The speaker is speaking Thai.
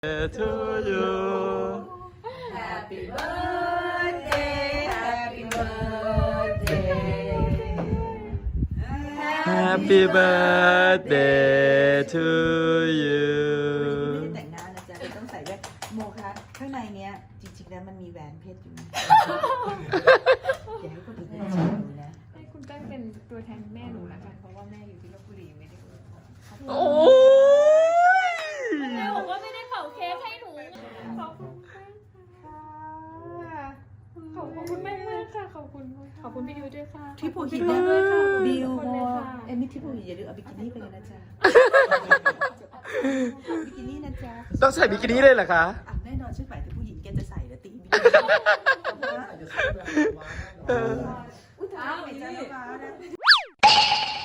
to you Happy birthday Happy birthday Happy birthday to you ไม่ได้แต่งหน้านะจ๊ะต้องใส่ด้วยโมคะข้างในเนี้ยจริงๆแล้วมันมีแหวนเพชรอยู่นะอย่าให้คนอื่นได้ชิมดูนะให้คุณแป้งเป็นตัวแทนแม่หนูละกันเพราะว่าแม่อยู่ที่ลพบุรีไม่ได้อวยพรโอ้ยแม่บอกว่าไม่ได้เป่าเค้กให้หนูขอบคุณค่ะขอบคุณแม่มากค่ะขอบคุณพี่ดิวด้วยค่ะที่ผู้หินขอบคุณด้วยค่ะบิวขอบคุณเลยค่ะเอ็มมี่ที่ผู้หินอย่าลืมเอาบิกินี่ไปกันนะจ๊ะบิกินี่นะจ๊ะต้องใส่บิกินี่เลยเหรอคะอ่ะแน่นอนฉันหมายถึงผู้หญิงแกจะใส่แล้วตีบิกินี่อุ้ยตายไม่จ้าน้ำฟ้านะ